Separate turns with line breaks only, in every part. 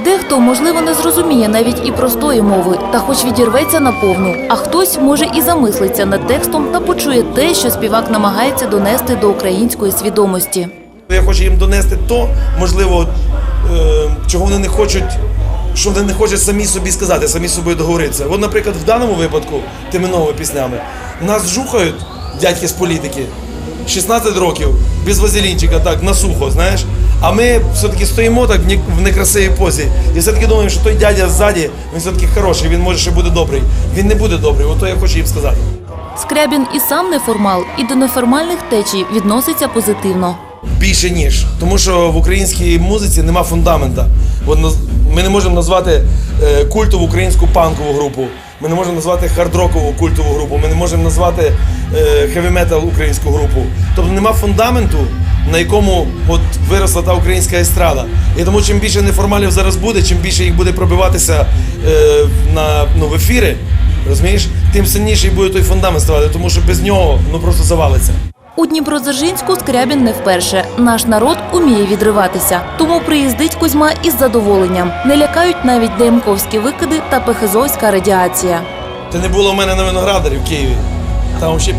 Дехто, можливо, не зрозуміє навіть і простої мови, та хоч відірветься наповну, а хтось, може, і замислиться над текстом та почує те, що співак намагається донести до української свідомості.
Я хочу їм донести то, можливо, чого вони не хочуть, що вони не хочуть самі собі сказати, самі з собою договоритися. От, наприклад, в даному випадку, тими новими піснями, нас жухають дядьки з політики, 16 років, без вазелінчика, так, на сухо, знаєш. А ми все-таки стоїмо так в некрасивій позі і все-таки думаємо, що той дядя ззаді, він все-таки хороший, він може ще буде добрий. Він не буде добрий, ото я хочу їм сказати.
Скрябін і сам неформал, і до неформальних течій відноситься позитивно.
Більше ніж. Тому що в українській музиці нема фундамента. Ми не можемо назвати культову українську панкову групу, ми не можемо назвати хард-рокову культову групу, ми не можемо назвати хеві-метал українську групу. Тобто нема фундаменту, на якому виросла та українська естрада. І тому чим більше неформалів зараз буде, чим більше їх буде пробиватися в ефіри, розумієш, тим сильніший буде той фундамент ставати, тому що без нього просто завалиться.
У Дніпродзержинську Скрябін не вперше. Наш народ уміє відриватися. Тому приїздить Кузьма із задоволенням. Не лякають навіть ДМКовські викиди та пехезовська радіація.
Ти не було в мене на Виноградарі в Києві. Там ще...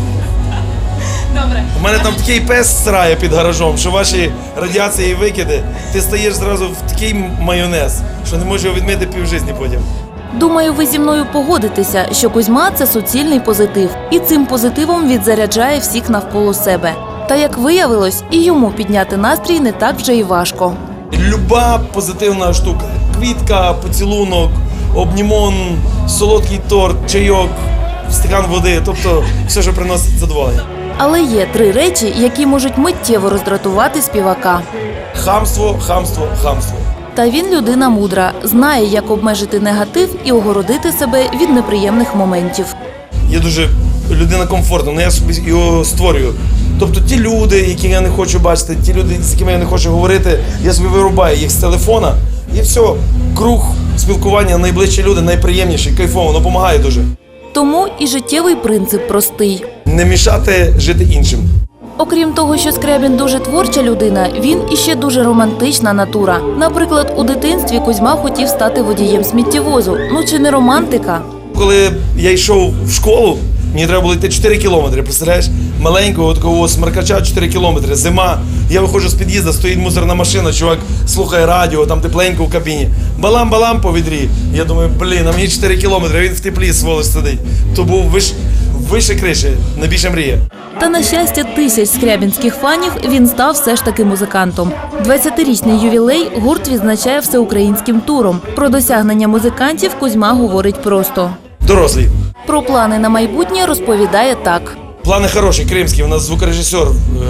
Добре.
У мене там такий пес срає під гаражом, що ваші радіації і викиди, ти стаєш зразу в такий майонез, що не можеш його відмити півжитті потім.
Думаю, ви зі мною погодитеся, що Кузьма – це суцільний позитив. І цим позитивом відзаряджає всіх навколо себе. Та, як виявилось, і йому підняти настрій не так вже і важко.
Люба позитивна штука. Квітка, поцілунок, обнімон, солодкий торт, чайок, стакан води. Тобто все, що приносить задоволення.
Але є 3 речі, які можуть миттєво роздратувати співака.
Хамство, хамство, хамство.
Та він людина мудра, знає, як обмежити негатив і огородити себе від неприємних моментів.
Я дуже людина комфортна, але я собі його створюю. Тобто ті люди, які я не хочу бачити, ті люди, з якими я не хочу говорити, я собі вирубаю їх з телефона і все, круг спілкування, найближчі люди, найприємніші, кайфово, воно допомагає дуже.
Тому і життєвий принцип простий.
Не мішати жити іншим.
Окрім того, що Скрябін дуже творча людина, він іще дуже романтична натура. Наприклад, у дитинстві Кузьма хотів стати водієм сміттєвозу. Ну чи не романтика?
Коли я йшов в школу, мені треба було йти 4 кілометри, представляєш? Маленького такого смеркача 4 кілометри, зима. Я виходжу з під'їзду, стоїть мусорна машина, чувак слухає радіо, там тепленько в кабіні. Балам-балам по відрі. Я думаю, а мені 4 кілометри, він в теплі, сволоч, сидить. То був вище криші, найбільша мрія.
Та, на щастя тисяч скрябінських фанів, він став все ж таки музикантом. 20-річний ювілей гурт відзначає всеукраїнським туром. Про досягнення музикантів Кузьма говорить просто.
Дорослі.
Про плани на майбутнє розповідає так.
Плани хороші, кримські. У нас звукорежисер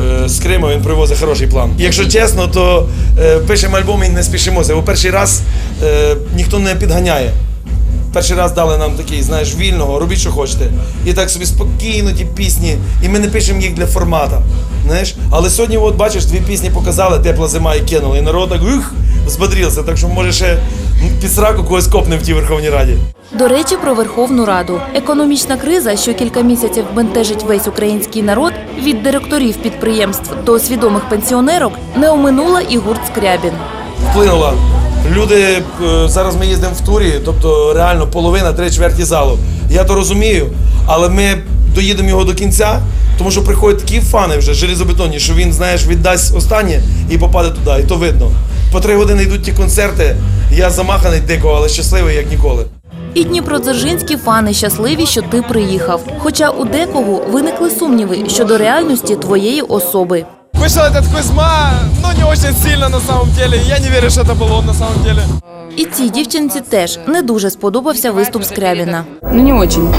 з Криму, він привозить хороший план. Якщо чесно, то пишемо альбом і не спішимося. Бо перший раз ніхто не підганяє. Перший раз дали нам такий, знаєш, вільного, робіть, що хочете. І так собі спокійно ті пісні, і ми не пишемо їх для формата, знаєш. Але сьогодні, от бачиш, 2 пісні показали, тепла зима і кинули, і народ так, взбодрівся, так що може ще під сраку когось копне в тій Верховній Раді.
До речі, про Верховну Раду. Економічна криза, що кілька місяців бентежить весь український народ, від директорів підприємств до свідомих пенсіонерок, не оминула і гурт Скрябін.
Вплинула. Люди, зараз ми їздимо в турі, тобто реально половина, 3/4 залу. Я то розумію, але ми доїдемо його до кінця, тому що приходять такі фани вже железобетонні, що він, знаєш, віддасть останнє і попаде туди, і то видно. По 3 години йдуть ті концерти, я замаханий дико, але щасливий, як ніколи.
І дніпродзержинські фани щасливі, що ти приїхав. Хоча у декого виникли сумніви щодо реальності твоєї особи.
Вышел этот Кузьма, но не очень сильно на самом деле. Я не верю, что это был он на самом деле.
І цій дівчинці теж не дуже сподобався виступ Скрябіна.
Ну, не очень.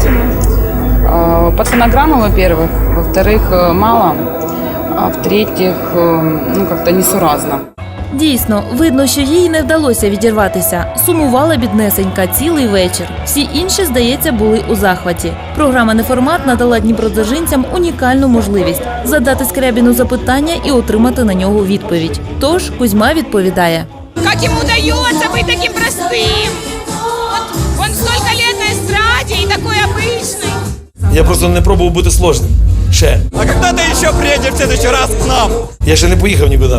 По фонограмму, во-первых. Во-вторых, мало. А в-третьих, как-то несуразно.
Дійсно, видно, що їй не вдалося відірватися. Сумувала біднесенька цілий вечір. Всі інші, здається, були у захваті. Програма «Неформат» надала дніпродзержинцям унікальну можливість задати Скрябіну запитання і отримати на нього відповідь. Тож Кузьма відповідає.
Как ему удается быть таким простым? Вот он столько лет на эстраде и такой обычный.
Я просто не пробував бути сложним. Ще.
А когда ты еще приедешь в следующий раз к нам?
Я ще не поїхав нікуди.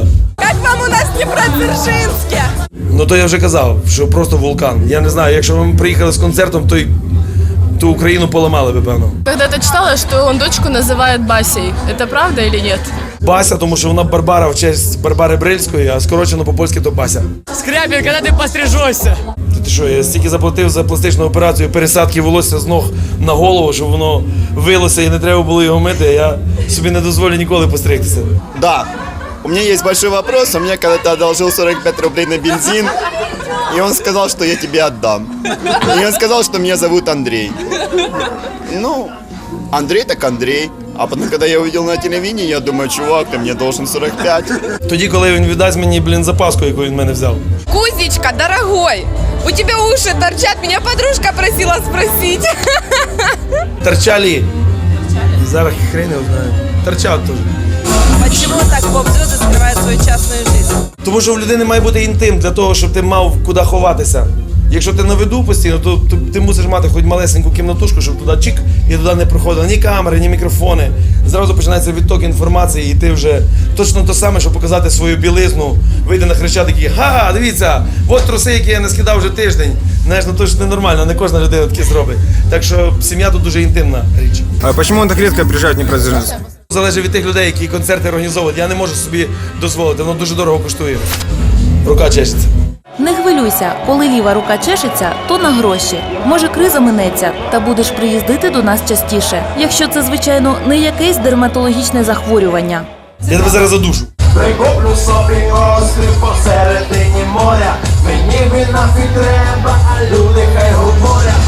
Как вам у нас в Дніпродзержинське?
Ну то я вже казав, що просто вулкан. Я не знаю, якщо ми приїхали з концертом, то Україну поламали би, певно.
Когда-то читала, что он дочку называет Басей. Это правда или нет?
Бася, тому що вона Барбара в честь Барбари Брильської, а скорочено по-польськи то Бася.
Скрябін, коли ти пострижешся?
Ти що, я стільки заплатив за пластичну операцію пересадки волосся з ног на голову, щоб воно вилося і не треба було його мити, а я собі не дозволю ніколи постригтися.
Да, у меня есть большой вопрос. Он мне когда-то одолжил 45 рублей на бензин, и он сказал, что я тебе отдам. И он сказал, что меня зовут Андрей. Ну, Андрей так Андрей. А потом, когда я увидел на телевидении, я думаю, чувак, ты мне должен 45.
Тоді, коли він віддасть мені, запаску, яку він в мене взяв.
Кузечка, дорогой, у тебя уши торчат, меня подружка просила спросить.
Торчали. Зараз хрен його знає. Торчат теж.
Почему так поп-звезды скрывают свою частную жизнь?
Тому що в людини має бути інтим для того, щоб ти мав куди ховатися. Якщо ти на виду постійно, то ти мусиш мати хоч малесеньку кімнатушку, щоб туди чик і туди не проходили ні камери, ні мікрофони. Зразу починається відток інформації, і ти вже точно те саме, щоб показати свою білизну, вийде на Хрещатик і ха, дивіться, от труси, які я не скидав вже тиждень. Знаєш, ну то ж ненормально, не кожна людина таке зробить. Так що сім'я тут дуже інтимна річ.
А чому он так рідко приїжджає в Дніпродзержинськ?
Залежить від тих людей, які концерти організовують. Я не можу собі дозволити, воно дуже дорого коштує. Рука чешеться.
Не хвилюйся, коли ліва рука чешеться, то на гроші. Може, криза минеться, та будеш приїздити до нас частіше. Якщо це, звичайно, не якесь дерматологічне захворювання.
Я тебе зараз задушу.
Прикуплю собі острів посередині моря. Мені він нафіг треба, а люди хай говорять.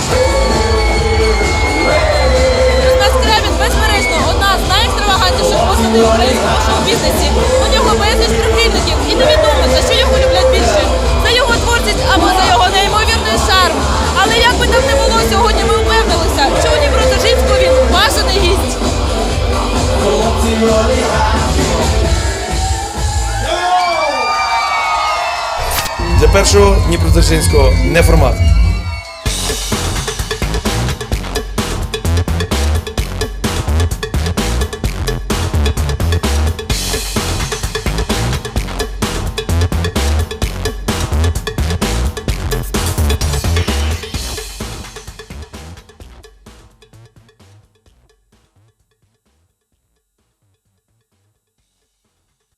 Руслан Скрябін, безперечно, одна з найекстравагантніших постатей в українському шоу-бізнесі. У нього безліч прихильників і невідомо, за що його люблять більше. За його творчість або за його неймовірний шарм. Але як би там не було, сьогодні ми впевнилися, що у Дніпродзержинську він бажаний гість.
Для першого Дніпродзержинського не формат.